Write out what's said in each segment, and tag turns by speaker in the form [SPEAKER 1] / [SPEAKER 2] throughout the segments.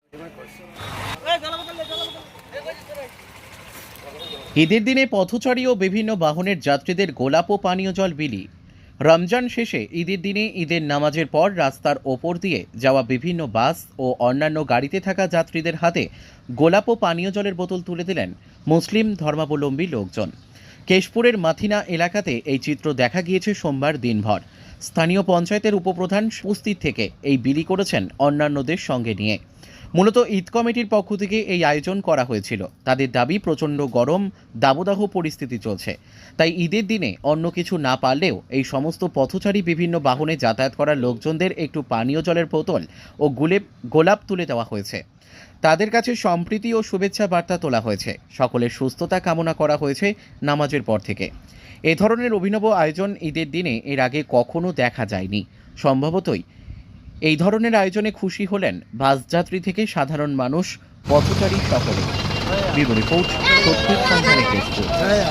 [SPEAKER 1] ঈদের দিনে পথচারী ও বিভিন্ন বাহনের যাত্রীদের গোলাপ ও পানীয় জল বিলি। রমজান শেষে ঈদের দিনে ঈদের নামাজের পর রাস্তার ওপর দিয়ে যাওয়া বিভিন্ন বাস ও অন্যান্য গাড়িতে থাকা যাত্রীদের হাতে গোলাপ ও পানীয় জলের বোতল তুলে দিলেন মুসলিম ধর্মাবলম্বী লোকজন। কেশপুরের মাথিনা এলাকাতে এই চিত্র দেখা গিয়েছে সোমবার দিনভর। স্থানীয় পঞ্চায়েতের উপপ্রধান উপস্থিত থেকে এই বিলি করেছেন অন্যান্যদের সঙ্গে নিয়ে। মূলত ঈদ কমিটির পক্ষ থেকে এই আয়োজন করা হয়েছিল। তাদের দাবি, প্রচণ্ড গরম দাবদাহ পরিস্থিতি চলছে, তাই ঈদের দিনে অন্য কিছু না পারলেও এই সমস্ত পথচারী বিভিন্ন বাহনে যাতায়াত করা লোকজনদের একটু পানীয় জলের বোতল ও গোলাপ তুলে দেওয়া হয়েছে। তাদের কাছে সম্প্রীতি ও শুভেচ্ছা বার্তা তোলা হয়েছে। সকলের সুস্থতা কামনা করা হয়েছে নামাজের পর থেকে। এ ধরনের অভিনব আয়োজন ঈদের দিনে এর আগে কখনো দেখা যায়নি। সম্ভবতই এই ধরনের আয়োজনে খুশি হলেন বাসযাত্রী থেকে সাধারণ মানুষ, পথচারী সকলে। ব্যুরো রিপোর্ট, সত্যের সন্ধানে কেশপুর।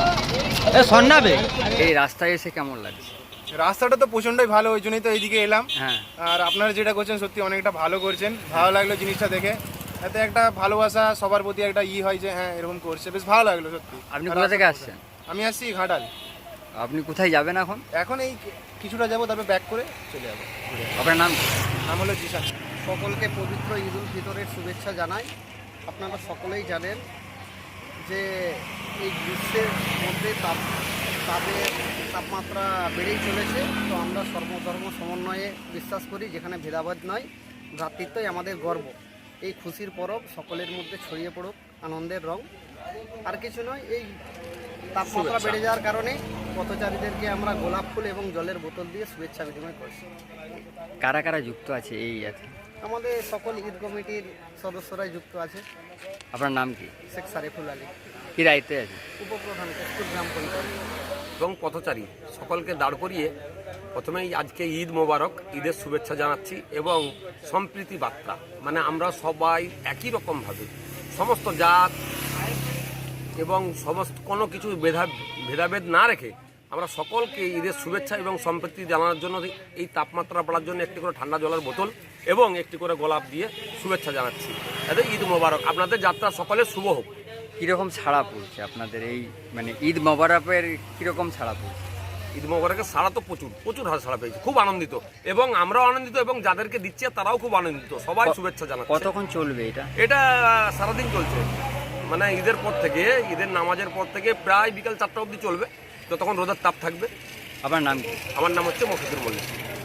[SPEAKER 2] এই রাস্তায় এসে কেমন লাগছে?
[SPEAKER 3] রাস্তাটা তো প্রচণ্ডই ভালো, ওই জন্যই তো এইদিকে এলাম।
[SPEAKER 2] হ্যাঁ,
[SPEAKER 3] আর আপনারা যেটা করছেন সত্যি অনেকটা ভালো করছেন, ভালো লাগলো জিনিসটা দেখে। এতে একটা ভালোবাসা সবার প্রতি একটা হয় যে হ্যাঁ এরকম করছে, বেশ ভালো লাগলো সত্যি।
[SPEAKER 2] আপনি কোথা থেকে আসছেন?
[SPEAKER 3] আমি আসছি ঘাটাল।
[SPEAKER 2] আপনি কোথায় যাবেন এখন?
[SPEAKER 3] এখন এই কিছুটা যাবো, তারপর ব্যাক করে চলে যাবো।
[SPEAKER 2] আপনার নাম?
[SPEAKER 3] নাম হলো জিশান।
[SPEAKER 4] সকলকে পবিত্র ঈদ উল ফিতরের শুভেচ্ছা জানাই। আপনারা সকলেই জানেন যে এই গ্রীষ্মের মধ্যে তাপমাত্রা বেড়েই চলেছে। তো আমরা সর্বধর্ম সমন্বয়ে বিশ্বাস করি, যেখানে ভেদাভেদ নয়, ভ্রাতৃত্বই আমাদের গর্ব। এই খুশির পরব সকলের মধ্যে ছড়িয়ে পড়ুক আনন্দের রং। আর কিছু নয়, এই তাপমাত্রা বেড়ে যাওয়ার কারণে পথচারীদেরকে আমরা গোলাপ ফুল এবং জলের বোতল দিয়ে শুভেচ্ছা বিনিময় করছি।
[SPEAKER 2] কারা কারা যুক্ত আছে এই ইয়াতে?
[SPEAKER 4] আমাদের সকল ঈদ কমিটির সদস্যরাই যুক্ত আছে।
[SPEAKER 2] আপনার নাম কি?
[SPEAKER 4] শেখ সারিফুল আলী,
[SPEAKER 2] কি দায়িত্বে আছে?
[SPEAKER 4] উপপ্রধান, কেশপুর গ্রাম পঞ্চায়েত।
[SPEAKER 5] এবং পথচারী সকলকে দাঁড় করিয়ে প্রথমেই আজকে ঈদ মোবারক, ঈদের শুভেচ্ছা জানাচ্ছি এবং সম্প্রীতি বার্তা, মানে আমরা সবাই একই রকমভাবে সমস্ত জাত এবং সমস্ত কোনো কিছু ভেদাভেদ না রেখে আমরা সকলকে ঈদের শুভেচ্ছা এবং সম্প্রীতি জানানোর জন্য এই তাপমাত্রা বাড়ার জন্য একটি করে ঠান্ডা জলের বোতল এবং একটি করে গোলাপ দিয়ে শুভেচ্ছা জানাচ্ছি। এতে ঈদ মোবারক, আপনাদের যাত্রা সকলের শুভ হোক।
[SPEAKER 2] কীরকম ছাড়া পড়ছে আপনাদের এই মানে ঈদ মোবারকের কীরকম ছাড়া পড়ছে?
[SPEAKER 5] ঈদ মোবারকের সাড়া তো প্রচুর হার সাড়া পেয়েছে, খুব আনন্দিত এবং আমরাও আনন্দিত এবং যাদেরকে দিচ্ছে তারাও খুব আনন্দিত, সবাই শুভেচ্ছা জানাচ্ছে।
[SPEAKER 2] কতক্ষণ চলবে এটা?
[SPEAKER 5] এটা সারাদিন চলছে, মানে ঈদের পর থেকে, ঈদের নামাজের পর থেকে প্রায় বিকাল 4টা অবধি চলবে, যতক্ষণ রোদের তাপ থাকবে।
[SPEAKER 2] আপনার নাম কি?
[SPEAKER 5] আমার নাম হচ্ছে মফিদুর মল্লিক।